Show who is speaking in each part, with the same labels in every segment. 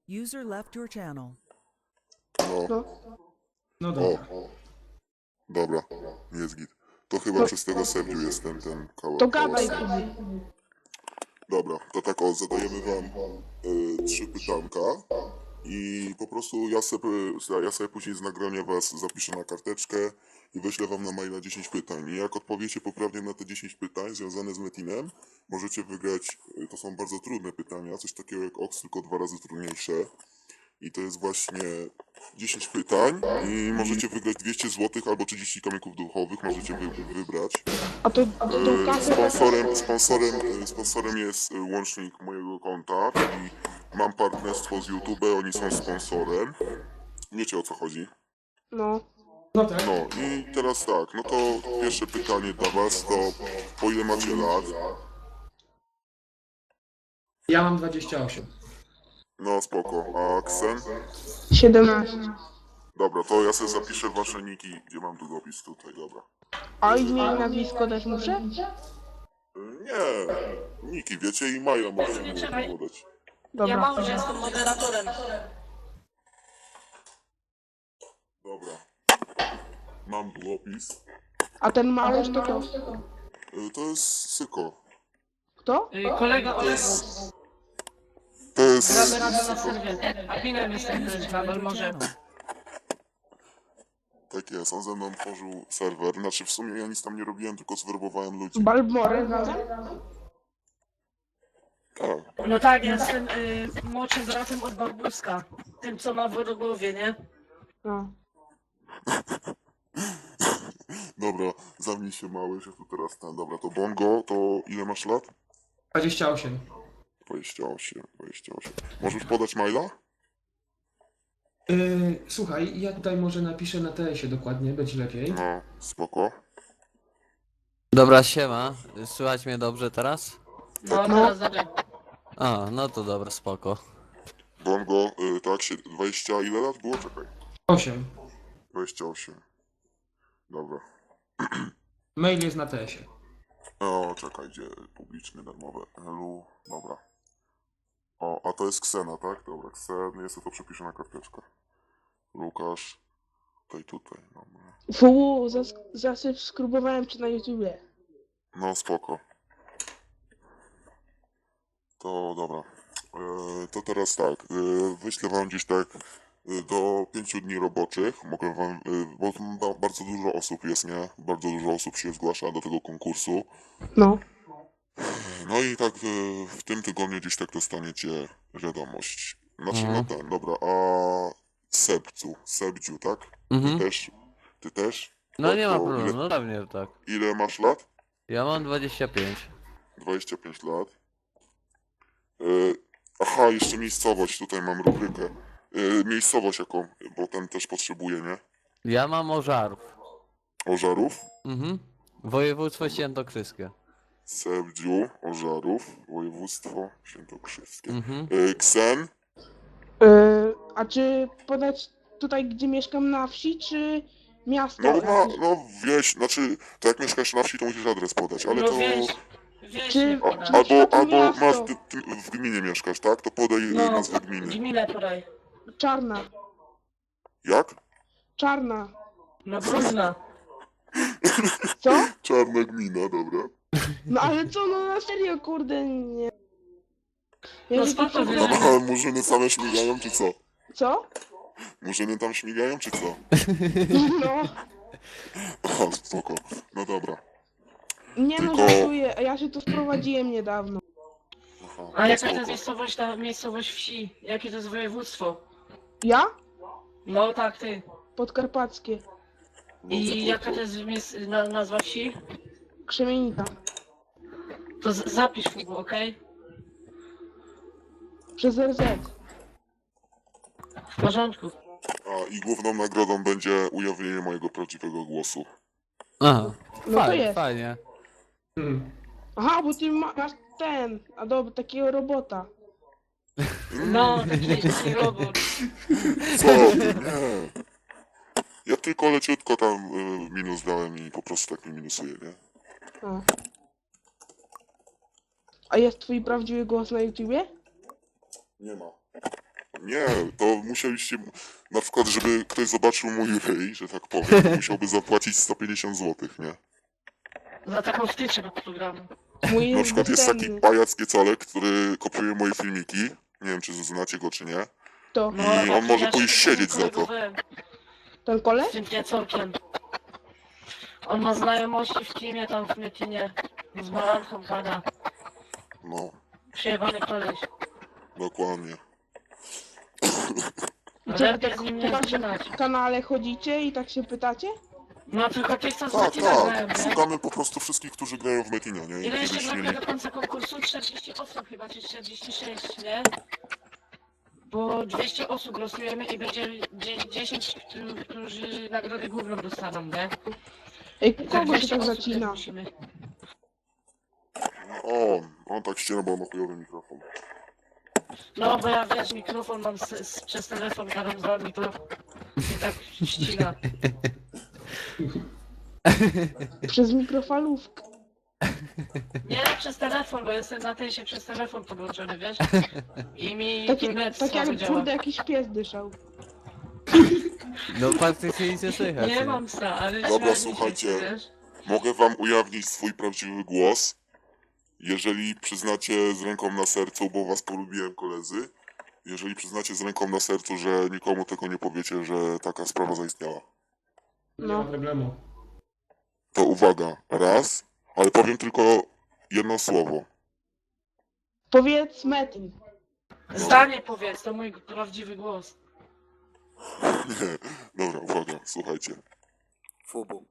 Speaker 1: User left your channel.
Speaker 2: No,
Speaker 3: No,
Speaker 4: No
Speaker 2: o,
Speaker 4: dobra.
Speaker 2: dobra, jest git. To chyba przez tego Sergiu jest ten
Speaker 3: to
Speaker 2: kawałek.
Speaker 3: gadaj sobie.
Speaker 2: Dobra, to tak o, zadajemy wam 3 pytanka i po prostu ja sobie później z nagrania was zapiszę na karteczkę i wyślę wam na maila 10 pytań. I jak odpowiecie poprawnie na te 10 pytań związane z Metinem, możecie wygrać, to są bardzo trudne pytania, coś takiego jak OX, tylko 2 razy trudniejsze. I to jest właśnie 10 pytań i możecie wygrać 200 zł albo 30 kamyków duchowych, możecie wybrać.
Speaker 3: A to kasę...
Speaker 2: Sponsorem jest łącznik mojego konta, czyli mam partnerstwo z YouTube, oni są sponsorem. Wiecie o co chodzi?
Speaker 3: No.
Speaker 4: No tak.
Speaker 2: No i teraz tak, no to pierwsze pytanie dla was to po ile macie lat?
Speaker 4: Ja mam 28.
Speaker 2: No spoko, a Ksen?
Speaker 3: 17.
Speaker 2: Dobra, to ja sobie zapiszę wasze niki, gdzie mam długopis tutaj, dobra.
Speaker 3: A imię i nazwisko też muszę?
Speaker 2: Nie, niki wiecie i maila możecie mu podać.
Speaker 3: Dobra.
Speaker 5: Ja mam, że jestem moderatorem.
Speaker 2: Dobra. Mam długopis.
Speaker 3: A ten malusz to kto?
Speaker 2: To jest Syko.
Speaker 3: Kto?
Speaker 5: Kolega Olek,
Speaker 2: To jest...
Speaker 5: gramy razem na serwie. Adminem jestem też, Babel może.
Speaker 2: Tak jest, on ze mną tworzył serwer. Znaczy w sumie ja nic tam nie robiłem, tylko zwerbowałem ludzi.
Speaker 3: Balbmore razem?
Speaker 2: Tak.
Speaker 5: No tak, jestem młodszym bratem od Barbuska. Tym, co ma w głowie, nie?
Speaker 3: No.
Speaker 2: Dobra, zamknij się mały, że tu teraz ten. Dobra, to Bongo, to ile masz lat?
Speaker 4: 28.
Speaker 2: 28. Możesz podać maila?
Speaker 4: Słuchaj, ja tutaj może napiszę na TS-ie dokładnie, będzie lepiej.
Speaker 2: No, spoko.
Speaker 6: Dobra, siema. Słychać mnie dobrze teraz?
Speaker 5: No, teraz dobra.
Speaker 6: A, no to dobra, spoko.
Speaker 2: Bongo, tak, 20 ile lat było? Czekaj.
Speaker 4: 8.
Speaker 2: 28. Dobra.
Speaker 4: Mail jest na TS-ie.
Speaker 2: O, czekaj, gdzie publiczny, darmowe. Elu, dobra. O, a to jest Ksena, tak? Dobra, Ksen, jest to przepiszę na karteczkę. Lukasz, tutaj, dobra.
Speaker 3: Fu, zasubskrybowałem cię na YouTubie.
Speaker 2: No, spoko. To dobra. To teraz tak, wyślę wam gdzieś tak do 5 dni roboczych. Mogę wam, bo bardzo dużo osób jest, nie? Bardzo dużo osób się zgłasza do tego konkursu.
Speaker 3: No.
Speaker 2: No i tak w tym tygodniu gdzieś tak dostaniecie wiadomość. Znaczy, no ten, dobra, a Sebdziu, tak?
Speaker 6: Mhm.
Speaker 2: Ty też?
Speaker 6: No
Speaker 2: Tak,
Speaker 6: nie ma
Speaker 2: to
Speaker 6: problemu, no pewnie tak.
Speaker 2: Ile masz lat?
Speaker 6: Ja mam 25.
Speaker 2: 25 lat. Aha, jeszcze miejscowość, tutaj mam rubrykę. Miejscowość jaką, bo ten też potrzebuje, nie?
Speaker 6: Ja mam Ożarów.
Speaker 2: Ożarów,
Speaker 6: Mhm. Województwo świętokrzyskie.
Speaker 2: Sebdziu, Ożarów, województwo świętokrzyskie.
Speaker 6: Mhm.
Speaker 2: Ksen,
Speaker 3: A czy podać tutaj, gdzie mieszkam na wsi, czy miasto?
Speaker 2: no wieś, znaczy, to jak mieszkasz na wsi, to musisz adres podać, ale
Speaker 5: No
Speaker 2: to...
Speaker 5: wiesz
Speaker 3: Czy-
Speaker 5: nie poda.
Speaker 3: Na przykład
Speaker 2: Albo
Speaker 3: miasto.
Speaker 2: masz, ty w gminie mieszkasz, tak? To podaj
Speaker 5: No,
Speaker 2: nazwę gminy.
Speaker 5: gminę podaj.
Speaker 3: Czarna.
Speaker 2: Jak?
Speaker 3: Czarna.
Speaker 5: No brudna.
Speaker 3: Co?
Speaker 2: Czarna gmina, dobra.
Speaker 3: No ale co, no na serio, kurde, nie. Ja
Speaker 5: No
Speaker 3: że
Speaker 5: spoko,
Speaker 3: to-
Speaker 5: wiesz.
Speaker 2: A murzyny same śmigają, czy co?
Speaker 3: Co?
Speaker 2: Murzyny tam śmigają, czy co?
Speaker 3: No.
Speaker 2: Aha, spoko. No dobra.
Speaker 3: Nie no,
Speaker 2: Tylko-
Speaker 3: żartuję, ja się tu wprowadziłem niedawno.
Speaker 2: Aha,
Speaker 5: A
Speaker 2: no
Speaker 5: jaka to jest
Speaker 2: spoko.
Speaker 5: miejscowość, ta miejscowość wsi? Jakie to jest województwo?
Speaker 3: Ja?
Speaker 5: No tak, ty.
Speaker 3: Podkarpackie.
Speaker 2: No,
Speaker 5: I jaka to jest nazwa wsi?
Speaker 3: Krzemienica.
Speaker 5: To zapisz Fugu, okej?
Speaker 3: Przez RZ.
Speaker 5: W porządku.
Speaker 2: A i główną nagrodą będzie ujawnienie mojego prawdziwego głosu.
Speaker 6: Aha.
Speaker 3: No to
Speaker 6: Fajnie,
Speaker 3: jest.
Speaker 6: fajnie.
Speaker 4: Hmm.
Speaker 3: Aha, bo ty masz ten, a dobra, takiego robota.
Speaker 5: No, taki robot.
Speaker 2: Co? Ty? Nie. Ja tylko leciutko tam minus dałem i po prostu tak mi minusuje, nie?
Speaker 3: A. A jest twój prawdziwy głos na YouTubie?
Speaker 2: Nie ma. Nie, to musieliście, na przykład, żeby ktoś zobaczył mój ryj, że tak powiem, to musiałby zapłacić 150 zł, nie?
Speaker 5: Za taką wtyczkę do programu.
Speaker 3: Mój
Speaker 2: Na
Speaker 3: jest
Speaker 2: przykład jest taki
Speaker 3: bezcenny.
Speaker 2: pajac Kiecalek, który kopiuje moje filmiki. Nie wiem, czy znacie go, czy nie.
Speaker 3: To,
Speaker 2: I on może pójść siedzieć za to.
Speaker 3: ten
Speaker 5: Z
Speaker 3: koleś?
Speaker 5: tym piecorkiem. On ma znajomości w teamie tam w Mytinie. Z Baranką gada.
Speaker 2: No,
Speaker 5: Przyjebany koleś.
Speaker 2: dokładnie.
Speaker 3: I co,
Speaker 5: Lepiej
Speaker 3: tak
Speaker 5: z nim
Speaker 3: po
Speaker 5: nie
Speaker 3: waszym
Speaker 5: zaczynać.
Speaker 3: kanale chodzicie i tak się pytacie?
Speaker 5: No tylko tych, co z
Speaker 2: Tak,
Speaker 5: Mytina grają,
Speaker 2: tak.
Speaker 5: nie?
Speaker 2: Szukamy po prostu wszystkich, którzy grają w Metinie, nie? I
Speaker 5: Ile jeszcze
Speaker 2: kiedyś
Speaker 5: brakuje
Speaker 2: mieli...
Speaker 5: do końca konkursu? 40 osób chyba, czy 46, nie? Bo 200 osób losujemy i będzie 10, którzy nagrodę główną dostaną, nie?
Speaker 3: Ej,
Speaker 5: I
Speaker 3: kogo się
Speaker 5: 200
Speaker 3: tak
Speaker 5: osób
Speaker 3: zacina?
Speaker 5: musimy.
Speaker 2: On tak ściera, bo on ma chujowy mikrofon.
Speaker 5: No bo ja wiesz, mikrofon mam przez telefon, gadam z wami, to i tak ścina.
Speaker 3: Przez mikrofalówkę.
Speaker 5: Nie, przez telefon, bo jestem na tej się przez telefon podłączony, wiesz? I mi
Speaker 3: Tak,
Speaker 5: internet
Speaker 3: tak
Speaker 5: słabo
Speaker 3: jak
Speaker 5: działa.
Speaker 3: kurde jakiś pies dyszał.
Speaker 6: No faktycznie nic nie słychać.
Speaker 5: Nie mam psa, ale
Speaker 2: Dobra,
Speaker 5: śmiali się,
Speaker 2: słuchajcie.
Speaker 5: wiesz?
Speaker 2: Mogę wam ujawnić swój prawdziwy głos, jeżeli przyznacie z ręką na sercu, bo was polubiłem, koledzy. Jeżeli przyznacie z ręką na sercu, że nikomu tego nie powiecie, że taka sprawa zaistniała.
Speaker 4: Nie
Speaker 3: No.
Speaker 4: ma problemu.
Speaker 2: To uwaga, raz, ale powiem tylko jedno słowo.
Speaker 3: Powiedz Metin.
Speaker 5: Zdanie powiedz, to mój prawdziwy głos.
Speaker 2: Nie, dobra, uwaga, słuchajcie.
Speaker 1: Fubu.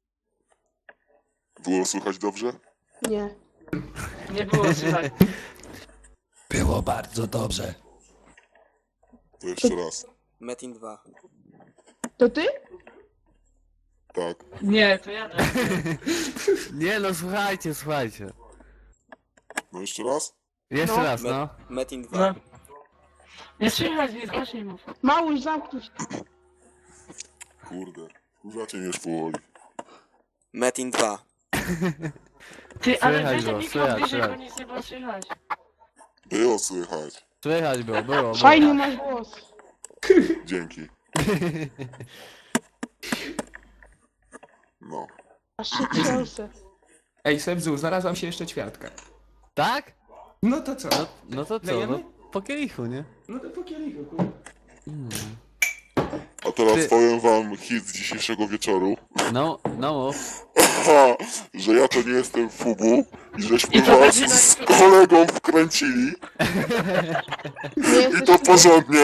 Speaker 2: Było słychać dobrze?
Speaker 3: Nie.
Speaker 5: Nie było słychać.
Speaker 7: Było bardzo dobrze.
Speaker 2: To jeszcze raz.
Speaker 1: Metin 2.
Speaker 3: To ty?
Speaker 2: Tak.
Speaker 5: Nie, to ja tak.
Speaker 6: Nie no, słuchajcie, słuchajcie.
Speaker 2: No jeszcze raz?
Speaker 6: Jeszcze
Speaker 3: No.
Speaker 6: raz, no.
Speaker 1: Metin 2.
Speaker 5: No. Nie słychać mnie, głośniej mów.
Speaker 3: Małuś, zamknij się.
Speaker 2: Kurde. Kurzacie mnie już powoli.
Speaker 1: Metin 2.
Speaker 5: Ty, ale
Speaker 6: Słychać
Speaker 5: weź ten
Speaker 6: było,
Speaker 5: mikro
Speaker 6: słychać,
Speaker 5: bliżej, bo
Speaker 6: słychać.
Speaker 5: nic nie było słychać.
Speaker 2: Było słychać.
Speaker 6: Słychać było.
Speaker 3: Fajny masz głos.
Speaker 2: Dzięki. No.
Speaker 3: Aż się trzęsę.
Speaker 7: Ej, Sebzu, znalazłam się jeszcze ćwiartka.
Speaker 6: Tak?
Speaker 7: No to co?
Speaker 6: No to co,
Speaker 7: Lejemy?
Speaker 6: no po kielichu, nie?
Speaker 7: No to po kielichu, kurwa.
Speaker 2: A teraz
Speaker 6: Ty-
Speaker 2: powiem wam hit z dzisiejszego wieczoru.
Speaker 6: No mów.
Speaker 2: Ha, że ja to nie jestem Fubu i żeśmy
Speaker 5: I to
Speaker 2: was
Speaker 5: będzie na
Speaker 2: z
Speaker 5: YouTube.
Speaker 2: kolegą wkręcili
Speaker 3: Nie
Speaker 2: i
Speaker 3: jesteś
Speaker 2: to porządnie.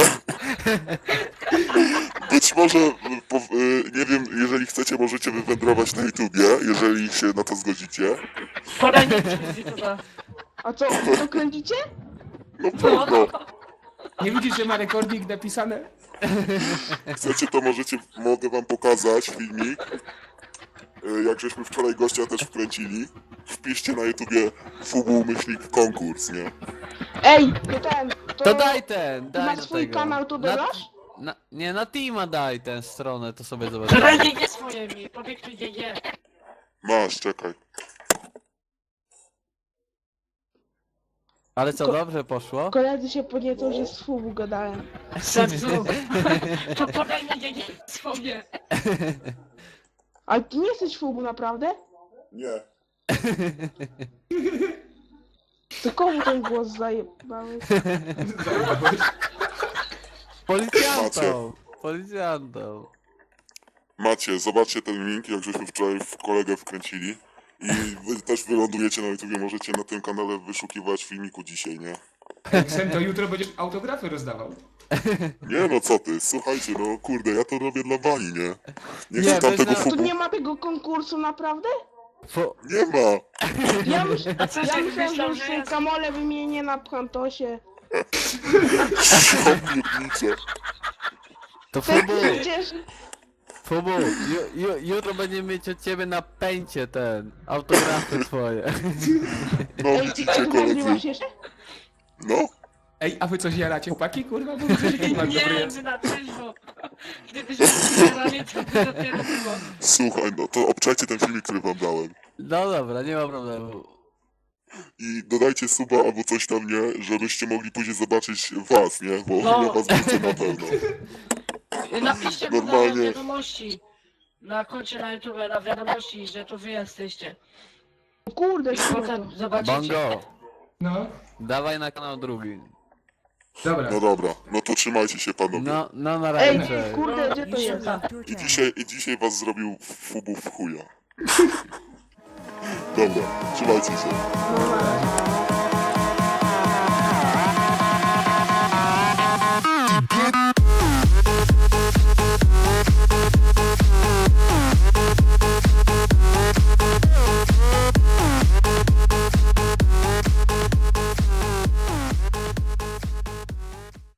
Speaker 2: Być może, nie wiem, jeżeli chcecie, możecie wywędrować na YouTubie, jeżeli się na to zgodzicie.
Speaker 5: Podaj mi z YouTube'a.
Speaker 3: A co, wy to kręcicie?
Speaker 2: No pewno.
Speaker 7: Nie widzisz, że ma rekordnik napisane?
Speaker 2: Chcecie, to mogę wam pokazać filmik. Jak żeśmy wczoraj gościa też wkręcili. Wpiszcie na YouTubie Fubu myślnik konkurs, nie?
Speaker 3: Ej, to ten,
Speaker 6: To daj ten,
Speaker 3: Ty
Speaker 6: daj
Speaker 3: masz
Speaker 6: do
Speaker 3: swój
Speaker 6: tego.
Speaker 3: kanał, to dodasz?
Speaker 6: Nie, na Teama daj tę stronę, to sobie
Speaker 5: Podaj
Speaker 6: zobaczymy.
Speaker 5: GG swoje mi, podyktuj GG.
Speaker 2: Masz, czekaj.
Speaker 6: Ale co, dobrze poszło?
Speaker 3: Koledzy się podniecą, że z FUBU gadałem.
Speaker 5: Sercu. To podaj mi GG swoje.
Speaker 3: Ale ty nie jesteś FUBU, naprawdę?
Speaker 2: Nie.
Speaker 3: To komu ten głos zajebałeś?
Speaker 6: Policjantom.
Speaker 2: Macie, zobaczcie ten link, jak żeśmy wczoraj w kolegę wkręcili. I wy też wylądujecie na YouTubie, możecie na tym kanale wyszukiwać filmiku dzisiaj, nie?
Speaker 7: Ej, Sem, to jutro będziesz autografy rozdawał.
Speaker 2: Nie no, co ty, słuchajcie, no kurde, ja to robię dla bani, nie? Nie
Speaker 6: Nie,
Speaker 2: chcę tamtego
Speaker 6: bez-
Speaker 3: Tu
Speaker 2: Fubu.
Speaker 3: nie ma tego konkursu, naprawdę?
Speaker 2: Nie ma!
Speaker 3: Ja
Speaker 5: A co
Speaker 3: myślałem,
Speaker 5: ty
Speaker 3: że
Speaker 5: myślał,
Speaker 3: już
Speaker 5: że
Speaker 3: są
Speaker 5: ja...
Speaker 3: kamole wymienię na Pchantosie.
Speaker 2: Pierdnicze.
Speaker 6: To
Speaker 3: Tak
Speaker 6: Fubu,
Speaker 3: przecież...
Speaker 6: Fubu, jutro będziemy mieć od ciebie na pęcie ten, autografy twoje.
Speaker 2: No
Speaker 3: Ej,
Speaker 2: widzicie,
Speaker 3: ty
Speaker 2: koledzy.
Speaker 3: nagrywasz jeszcze?
Speaker 2: No,
Speaker 7: Ej, a wy coś jaracie, chłopaki? Kurwa, bo widzę, że taki mam dobry
Speaker 5: Nie,
Speaker 7: jest.
Speaker 5: my na trzeźwo. Gdybyśmy wspierali, to by dopiero było.
Speaker 2: słuchaj, no to obczajcie ten filmik, który wam dałem.
Speaker 6: No dobra, nie ma problemu.
Speaker 2: I dodajcie suba albo coś tam, nie? Żebyście mogli później zobaczyć was, nie? Bo
Speaker 5: No.
Speaker 2: ja was wrócę na pewno.
Speaker 5: Napiszcie mu na
Speaker 2: Normalnie.
Speaker 5: wiadomości. Na koncie na YouTube, na wiadomości, że to wy jesteście.
Speaker 3: O kurde,
Speaker 5: I
Speaker 3: kurwa.
Speaker 5: potem zobaczycie.
Speaker 6: Bongo,
Speaker 7: No,
Speaker 6: dawaj na kanał drugi.
Speaker 7: dobra.
Speaker 2: No dobra, no to trzymajcie się panowie.
Speaker 6: No na
Speaker 3: Ej,
Speaker 6: razie. cześć.
Speaker 3: kurde, gdzie to
Speaker 8: User
Speaker 3: jest?
Speaker 8: left your
Speaker 2: I
Speaker 8: channel.
Speaker 2: dzisiaj was zrobił fubów w chuja. Dobra, trzymajcie się.
Speaker 3: No,